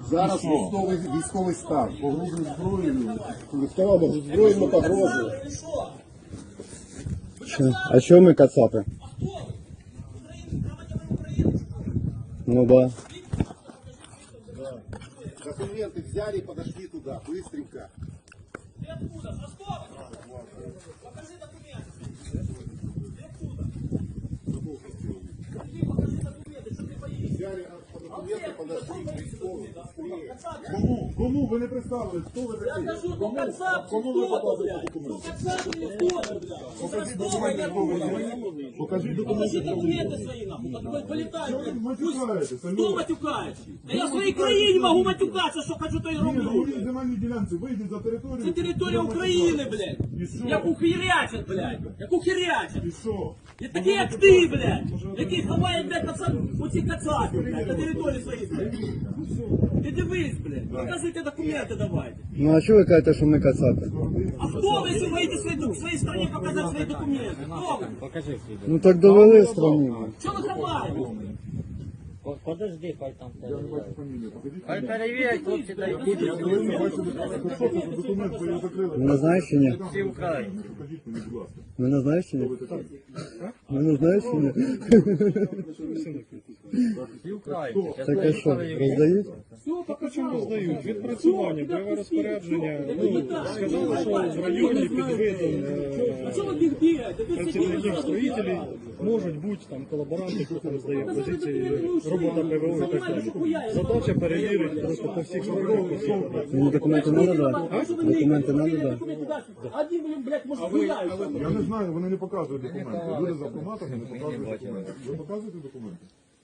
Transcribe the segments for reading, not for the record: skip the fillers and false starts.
Зараз військовий стан. Погрузив зброєю. Сказав, зброєю погрозою. А що ми кацапи? Ну да. Документы взяли и подошли туда, быстренько. Ты откуда? С Ростова? Покажи документы. Ты откуда? Ты покажи документы, что ты боишься. Взяли документы, подошли к військовим. Кому ви не представили? Хто ви Я такий? кажу, ну Кацап, Кому ви кто-то, показуєте блядь. Ну документи? Кацап, ну кто-то, блядь. Покажіть документи, хто ви є. Покажіть Покажи документи. документы свои, нахуй. Полетай, Що ви блядь. матюкаєтеся? Кто матюкается? Да я в своей краине могу матюкаться, что хочу, то и Ні, на роблю. моїй земельній ділянці вийдіть за територію. Це територія України, блядь. І що? Як ухирячат, блядь. Як ухирячат. І що? І такі як ти, блядь. Які ховають, блядь, оці кацапи, блядь, на території своїй, блядь. Ти дивись, блядь. Показуйте документи давайте. Ну а що ви кажете, що ми кацапи? А хто ви, якщо боїте в своїй стране показати свої документи? Хто ви? Ну так довели страну. Що ви ховаєте? Подожди, хай там Я не бачу фамілію. Покажіть. хай перевірять, хлопці дають. Ви не бачите, що це за документ, ви його закрили. Мене знаєш чи ні? Всі Україні. Покажіть мені, будь ласка. Мене знаєш чи ні? Мене знаєш чи ні? Всі Україні. Так а що, роздають? Все, Чому роздають? Відпрацювання, бойове розпорядження. Ну, сказали, що в районі під видом А чого ви бігаєте? Ви працівників сиділи, строїтелів можуть бути там колаборанти, хто там здає позиції, робота ПВО і так далі. Задача перевірити просто по всіх сторонах. Мені документи не надо? Документи не надо? Один, блядь, може, гуляють. Я не знаю, вони не показують документи. Люди з автоматами не показують документи. Ви показуєте документи?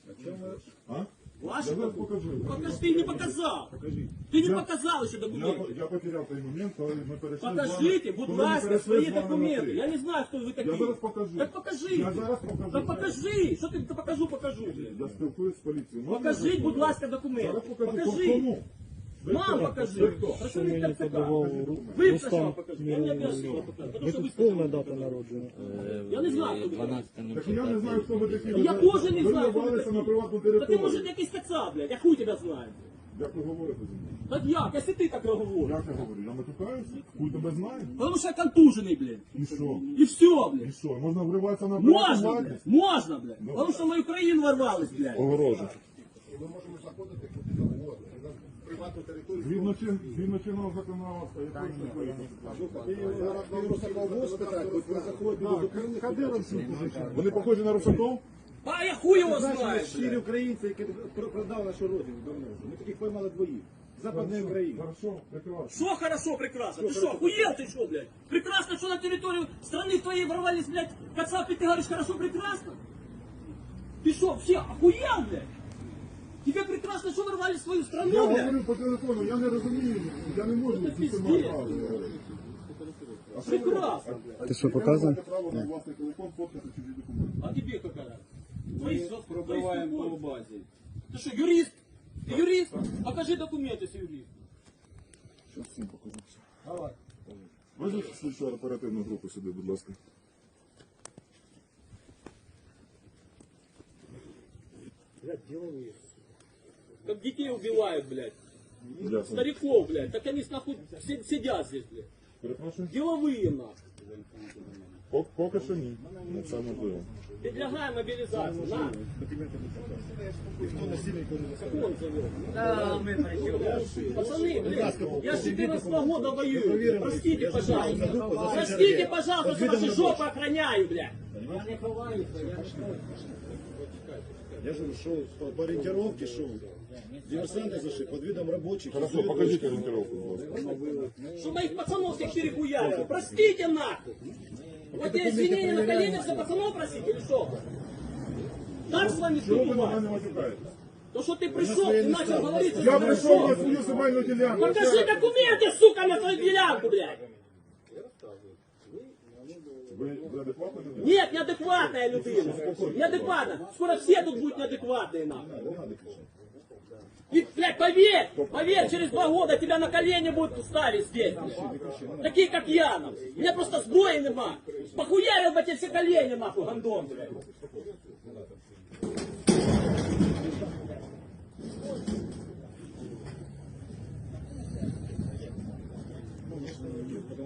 А? Ваші? Я зараз покажу. Покажи, ты не показал. Покажіть. Ты не показал еще документы. Я потеряв той момент, коли ми перейшли з Покажите, вами. будь Коли ми ласка, перейшли свои з вами на документы. «ти». Я не знаю, кто вы такие. Я зараз покажу. Так покажи. Я зараз покажу. Так покажи. Что ты покажу, блядь. Я спілкуюсь з поліцією. Можна Покажи, я будь ласка, документы. Зараз покажу. Покажи. Кому? Ви Нам хто? покажи. Ви хто? Хорошо, Мені Виктор ЦК. подавав Вы Рустам сначала покажи. Я не обязан Миронов. показать, потому что вы Повна дата народження. Я не знаю, кто вы. 12 Так я не знаю, хто ви такі. Я тоже не Ви знаю, кто вы врывалися на такие. приватну Да ты, територію. может, якийсь кацап, блядь. Я хуй тебя знаю. Як ви говорите зі мною? Так як, если ты так говоришь? Як я говорю? Я матюкаюся? Хуй тебе знає? Потому что я контуженный, блядь. І що? И все, І блядь. що? Можна вриватися на приватну Можно, власність? блядь. Можно, блядь. Потому что в мою країну ворвались, блядь. Огорожу. Ми можемо заходити куди завгодно. На приватну територію. Згідно чинного законодавства, якої такої? Зараз на Русакову спитати, от ви заходите до документів. Вони похожі на русаков? А я хуй его знаю, Щирі блядь. українці, які продали нашу родину давно. Ми таких поймали двоїх. Западної України. Хорошо, прекрасно. Что хорошо, прекрасно? Ты что, охуел ты что, блядь? Прекрасно, что на территорию страны твоей ворвались, блядь, кацапы, ты говоришь, хорошо, прекрасно? Ты что, все охуел, блядь? Тебе прекрасно, что ворвались в свою Я страну, блядь? говорю по телефону, я не розумію, я не можу Це з цим пиздец. говорити. Прекрасно. Ти що, показує? Я право на власний телефон фоткати чужі документи. А тебе какая? Пробиваем по базе. Ты что, юрист? Ты юрист? Покажи документы, если юрист. Зараз всім покажу. Давай. Визовіть слідчу оперативну групу сюди, будь ласка. Как детей убивают, блядь. Дякую. Стариков, блядь. Так они нахуй сидят здесь, блядь. Перепрошую. Деловые, нахуй. Поки що ні. Ну, це можливо. Предлагаем мобилизацию. На. Как он зовет? Та ми прийшли. Пацаны, блядь, я с 14 года воюю. Простите, пожалуйста. Простите, пожалуйста, что ваши жопы охраняю, блядь. Я не ховаюся, я Я же шел по ориентировке, шел. Диверсанты зашли под видом рабочих. Хорошо, покажіть орієнтировку, будь ласка. Что моих пацанов всех перехуярили. Простите, нахуй. Вот я извинения на коленях за пацанов просить или что? Так с вами Чого ви на поступать? мене матюкаєтесь? То, что ты пришел, ты начал говорить, что Я ты прийшов на пришел. свою земельну ділянку. Покажи документы, сука, на свою делянку, блядь. Ви адекватно не Нет, неадекватная людина. Неадекватно. Скоро все тут будут неадекватные, нахуй. И, блядь, поверь, через 2 года тебя на колени будут ставить здесь, блядь. Такие, как я, нахуй. У меня просто сброи нема. Похуярил бы тебе все колени, нахуй, гандон, блядь.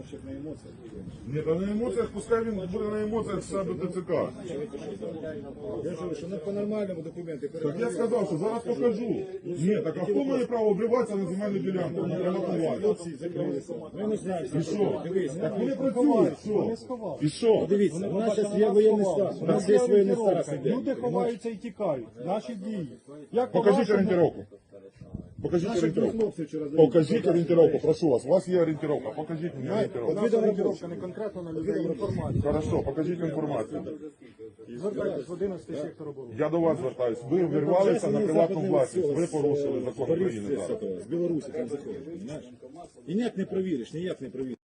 Щоб на емоціях. Ні, та на емоціях, пускай він буде на емоціях себе ТЦК. Я ж говорю, що не по-нормальному документи. Так я сказав, що зараз покажу. Ні, так а хто має право обриватися на земельну ділянку? На приватувати? Хлопці закрилися. Ми не знаємо. І що? Дивись, Так вони працюють, що? І що? дивіться, у нас зараз є воєнний стан. У нас є воєнний стан. Люди ховаються і тікають. Наші дії. Як Покажіть по-вашому? орієнтировку. Покажіть Наші дві орієнтировку. хлопці вчора заїхали. Покажіть орієнтировку, прошу вас. У вас є орієнтировка. Покажіть мені орієнтировку. Наша Орієнтировка не конкретно на людей, інформація. Хорошо, покажіть інформацію. Звертайтесь в 11 сектор оборони. Я до вас звертаюсь. Ви вирвалися на приватну власність. Ви порушили закон України. З Білорусі там заходять, розумієш? І ніяк не провіриш, ніяк не провіриш.